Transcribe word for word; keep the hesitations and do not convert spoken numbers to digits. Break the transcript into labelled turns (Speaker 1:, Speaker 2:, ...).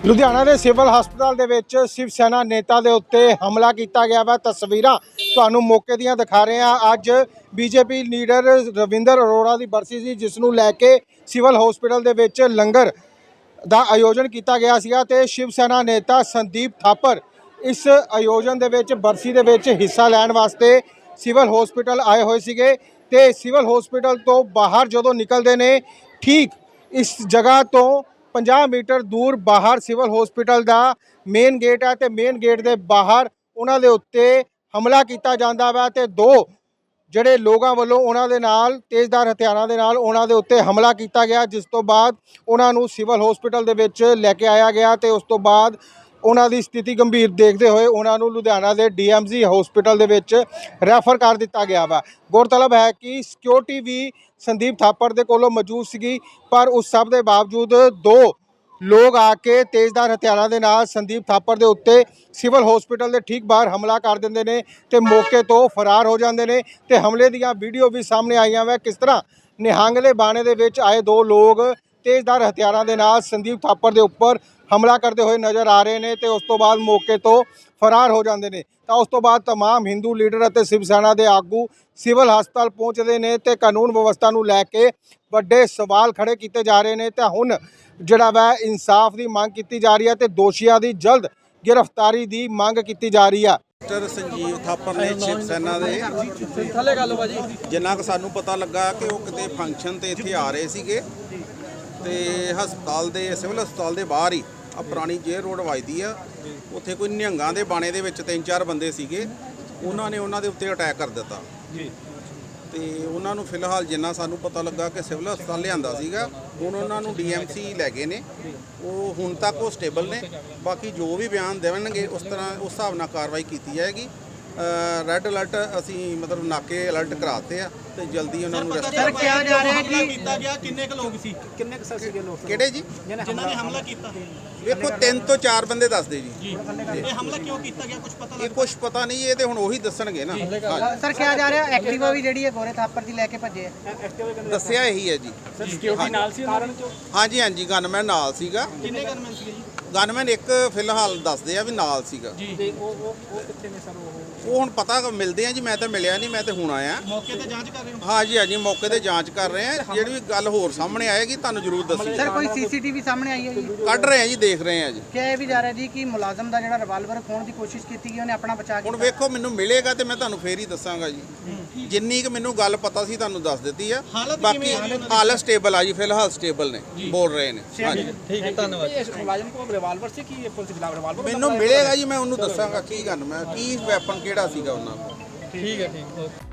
Speaker 1: ਲੁਧਿਆਣਾ ਦੇ ਸਿਵਲ ਹਸਪਤਾਲ ਦੇ ਵਿੱਚ ਸ਼ਿਵ ਸੈਨਾ ਨੇਤਾ ਦੇ ਉੱਤੇ ਹਮਲਾ ਕੀਤਾ ਗਿਆ ਵਾ। ਤਸਵੀਰਾਂ ਤੁਹਾਨੂੰ ਮੌਕੇ ਦੀਆਂ ਦਿਖਾ ਰਹੇ ਹਾਂ। ਅੱਜ ਬੀਜੇਪੀ ਲੀਡਰ ਰਵਿੰਦਰ ਅਰੋੜਾ ਦੀ ਬਰਸੀ ਸੀ, ਜਿਸ ਨੂੰ ਲੈ ਕੇ ਸਿਵਲ ਹਸਪਤਾਲ ਦੇ ਵਿੱਚ ਲੰਗਰ ਦਾ ਆਯੋਜਨ ਕੀਤਾ ਗਿਆ ਸੀਗਾ ਤੇ ਸ਼ਿਵ ਸੈਨਾ ਨੇਤਾ ਸੰਦੀਪ ਥਾਪਰ ਇਸ ਆਯੋਜਨ ਦੇ ਵਿੱਚ ਬਰਸੀ ਦੇ ਵਿੱਚ ਹਿੱਸਾ ਲੈਣ ਵਾਸਤੇ ਸਿਵਲ ਹਸਪਤਾਲ ਆਏ ਹੋਏ ਸੀਗੇ ਤੇ ਸਿਵਲ ਹਸਪਤਾਲ ਤੋਂ ਬਾਹਰ ਜਦੋਂ ਨਿਕਲਦੇ ਨੇ, ਠੀਕ ਇਸ ਜਗ੍ਹਾ ਤੋਂ ਪੰਜਾਹ ਮੀਟਰ दूर बाहर सिविल हॉस्पिटल का मेन गेट है तो मेन गेट के बाहर उन्होंने उत्ते हमला किया जाता वा ते दो ਜਿਹੜੇ ਲੋਕਾਂ ਵੱਲੋਂ ਉਹਨਾਂ ਦੇ ਨਾਲ ਤੇਜ਼ਧਾਰ ਹਥਿਆਰਾਂ ਦੇ ਨਾਲ ਉਹਨਾਂ ਦੇ ਉੱਤੇ ਹਮਲਾ ਕੀਤਾ ਗਿਆ, ਜਿਸ ਤੋਂ ਬਾਅਦ ਉਹਨਾਂ ਨੂੰ ਸਿਵਲ ਹਸਪੀਟਲ ਦੇ ਵਿੱਚ ਲੈ ਕੇ ਆਇਆ ਗਿਆ ਤੇ ਉਸ ਤੋਂ ਬਾਅਦ ਉਹਨਾਂ ਦੀ ਸਥਿਤੀ ਗੰਭੀਰ ਦੇਖਦੇ ਹੋਏ ਉਹਨਾਂ ਨੂੰ ਲੁਧਿਆਣਾ ਦੇ ਡੀਐਮਸੀ ਹਸਪੀਟਲ ਦੇ ਵਿੱਚ ਰੈਫਰ ਕਰ ਦਿੱਤਾ ਗਿਆ ਵਾ। ਗੌਰਤਲਬ ਹੈ ਕਿ ਸਿਕਿਉਰਿਟੀ ਵੀ ਸੰਦੀਪ ਥਾਪਰ ਦੇ ਕੋਲੋਂ ਮੌਜੂਦ ਸੀਗੀ, ਪਰ ਉਸ ਸਭ ਦੇ ਬਾਵਜੂਦ ਦੋ लोग आके तेजदार हथियारों के नाल संदीप थापर के उत्ते सिविल हॉस्पिटल के ठीक बाहर हमला कर देंगे ने ते मौके तो फरार हो जाते हैं ते हमले दियां वीडियो भी सामने आईयां वा। किस तरह निहंग दे बाणे दे विच आए दो लोग तेजदार हथियारों के नाल संदीप थापर के उपर हमला करते हुए नज़र आ रहे हैं ते उस तो बाद मौके तो फरार हो जाते हैं। तो उस तो बाद तमाम हिंदू लीडर और शिव सेना के आगू सिविल हस्पताल पहुँचते हैं तो कानून व्यवस्था को लैके वड्डे सवाल खड़े किए जा रहे हैं। तो हुण जिहड़ा वा इंसाफ की मांग की जा रही है तो दोषियों की जल्द गिरफ्तारी की मांग की जा रही है।
Speaker 2: डॉक्टर संजीव थापर ने शिव सेना के जिन्ना क सानू पता लगा कि वो किते फंक्शन ते इत्थे आ रहे सीगे ते हस्पताल दे सिविल हस्पताल दे बाहर ही आ पुरानी जेल रोड वजदी आ, उत्थे कोई निहंगां दे बाणे दे विच तीन चार बंदे सीगे, उन्हां ने उन्हां दे उत्ते अटैक कर दिता ਤੇ ਉਹਨਾਂ ਨੂੰ ਫਿਲਹਾਲ ਜਿੰਨਾ ਸਾਨੂੰ ਪਤਾ ਲੱਗਾ ਕਿ ਸਿਵਲ ਹਸਪਤਾਲ ਲਿਆਂਦਾ ਸੀਗਾ, ਹੁਣ ਉਹਨਾਂ ਨੂੰ ਡੀਐਮਸੀ ਲੈ ਗਏ ਨੇ। ਉਹ ਹੁਣ ਤੱਕ ਉਹ ਸਟੇਬਲ ਨੇ, ਬਾਕੀ ਜੋ ਵੀ ਬਿਆਨ ਦੇਣਗੇ ਉਸ ਤਰ੍ਹਾਂ ਉਸ ਹਿਸਾਬ ਨਾਲ ਕਾਰਵਾਈ ਕੀਤੀ ਜਾਏਗੀ। ਰੈੱਡ ਅਲਰਟ ਅਸੀਂ ਮਤਲਬ ਨਾਕੇ ਅਲਰਟ ਕਰਾਤੇ ਆ ਤੇ ਜਲਦੀ ਉਹਨਾਂ ਨੂੰ ਅਰੈਸਟ
Speaker 3: ਸਰ ਕਿਹਾ ਜਾ ਰਿਹਾ ਕਿ ਕੀਤਾ ਗਿਆ ਕਿੰਨੇ ਕੁ ਲੋਕ ਸੀ ਕਿੰਨੇ ਕੁ ਸੀਗੇ ਲੋਕ
Speaker 2: ਕਿਹੜੇ ਜੀ
Speaker 3: ਜਿਨ੍ਹਾਂ ਨੇ ਹਮਲਾ ਕੀਤਾ?
Speaker 2: ਵੇਖੋ ਤਿੰਨ ਤੋਂ ਚਾਰ ਬੰਦੇ ਦੱਸਦੇ ਜੀ।
Speaker 3: ਇਹ ਹਮਲਾ ਕਿਉਂ ਕੀਤਾ ਗਿਆ ਕੁਝ ਪਤਾ
Speaker 2: ਇਹ ਕੁਝ ਪਤਾ ਨਹੀਂ, ਇਹ ਤੇ ਹੁਣ ਉਹੀ ਦੱਸਣਗੇ ਨਾ।
Speaker 4: ਸਰ ਕਿਹਾ ਜਾ ਰਿਹਾ ਐਕਟਿਵਾ ਵੀ ਜਿਹੜੀ ਹੈ ਗੋਰੇ ਥਾਪਰ ਦੀ ਲੈ ਕੇ ਭੱਜੇ ਆ।
Speaker 2: ਦੱਸਿਆ ਇਹੀ ਹੈ ਜੀ।
Speaker 3: ਸਰ ਸਿਕਿਉਰਿਟੀ ਨਾਲ ਸੀ ਕਾਰਨ ਚੋਂ?
Speaker 2: ਹਾਂਜੀ ਹਾਂਜੀ ਗਨਮੈਨ ਨਾਲ ਸੀਗਾ।
Speaker 3: ਕਿੰਨੇ ਗਨਮੈਨ ਸੀਗੇ ਜੀ?
Speaker 2: ਗਨਮੈਨ ਇੱਕ ਫਿਲਹਾਲ ਦੱਸਦੇ ਆ ਵੀ ਨਾਲ ਸੀਗਾ
Speaker 3: ਜੀ। ਤੇ ਉਹ ਉਹ ਉਹ ਕਿੱਥੇ ਨੇ ਸਰ? ਉਹ
Speaker 2: ਉਹ ਹੁਣ ਪਤਾ ਮਿਲਦੇ ਆ ਜੀ, ਮੈਂ ਤਾਂ ਮਿਲਿਆ ਨਹੀਂ, ਮੈਂ ਤਾਂ ਹੁਣ ਆਇਆ।
Speaker 3: ਮੌਕੇ ਤੇ ਜਾਂਚ ਕਰ ਰਹੇ ਹੋ?
Speaker 2: ਹਾਂਜੀ ਹਾਂਜੀ ਮੌਕੇ ਤੇ ਜਾਂਚ ਕਰ ਰਹੇ ਆ, ਜਿਹੜੀ ਵੀ ਗੱਲ ਹੋਰ ਸਾਹਮਣੇ ਆਏਗੀ ਤੁਹਾਨੂੰ ਜ਼ਰੂਰ ਦੱਸੀ।
Speaker 4: ਸਰ ਕੋਈ ਸੀਸੀਟੀਵੀ ਸਾਹਮਣੇ ਆਈ ਹੈ ਜੀ?
Speaker 2: ਕੱਢ ਰਹੇ ਆ ਜੀ, ਦੇਖ ਰਹੇ ਆ ਜੀ।
Speaker 4: ਕਿਹਾ ਇਹ ਵੀ ਜਾ ਰਿਹਾ ਜੀ ਕਿ ਮੁਲਾਜ਼ਮ ਦਾ ਜਿਹੜਾ ਰਿਵਾਲਵਰ ਖੋਣ ਦੀ ਕੋਸ਼ਿਸ਼ ਕੀਤੀ ਗਈ, ਉਹਨੇ ਆਪਣਾ ਬਚਾ
Speaker 2: ਹੁਣ
Speaker 4: ਕੀਤਾ।
Speaker 2: ਵੇਖੋ ਮੈਨੂੰ ਮਿਲੇਗਾ ਤੇ ਮੈਂ ਤੁਹਾਨੂੰ ਫੇਰ ਹੀ ਦੱਸਾਂਗਾ ਜੀ। ਜਿੰਨੀ ਕੁ ਮੈਨੂੰ ਗੱਲ ਪਤਾ ਸੀ ਤੁਹਾਨੂੰ ਦੱਸ ਦਿੱਤੀ ਆ। ਬਾਕੀ ਹਾਲਤ ਸਟੇਬਲ ਆ ਜੀ, ਫਿਲਹਾਲ ਸਟੇਬਲ ਨੇ, ਬੋਲ ਰਹੇ ਨੇ। ਹਾਂਜੀ
Speaker 3: ਠੀਕ ਹੈ, ਧੰਨਵਾਦ। ਇਹ ਮੁਲਾਜ਼ਮ ਕੋਲ ਰਿਵਾਲਵਰ ਸੀ ਕਿ ਇਹ ਪੁਲਿਸ ਖਿਲਾਫ ਰਿਵਾਲਵਰ?
Speaker 2: ਮੈਨੂੰ ਮਿਲੇਗਾ ਜੀ, ਮੈਂ ਉਹਨੂੰ ਦੱਸਾਂਗਾ ਕੀ ਗੱਲ ਮੈਂ ਕੀ ਵੈਪਨ ਕਿਹੜਾ ਸੀਗਾ ਉਹਨਾਂ ਕੋਲ।
Speaker 3: ਠੀਕ ਹੈ, ਠੀਕ।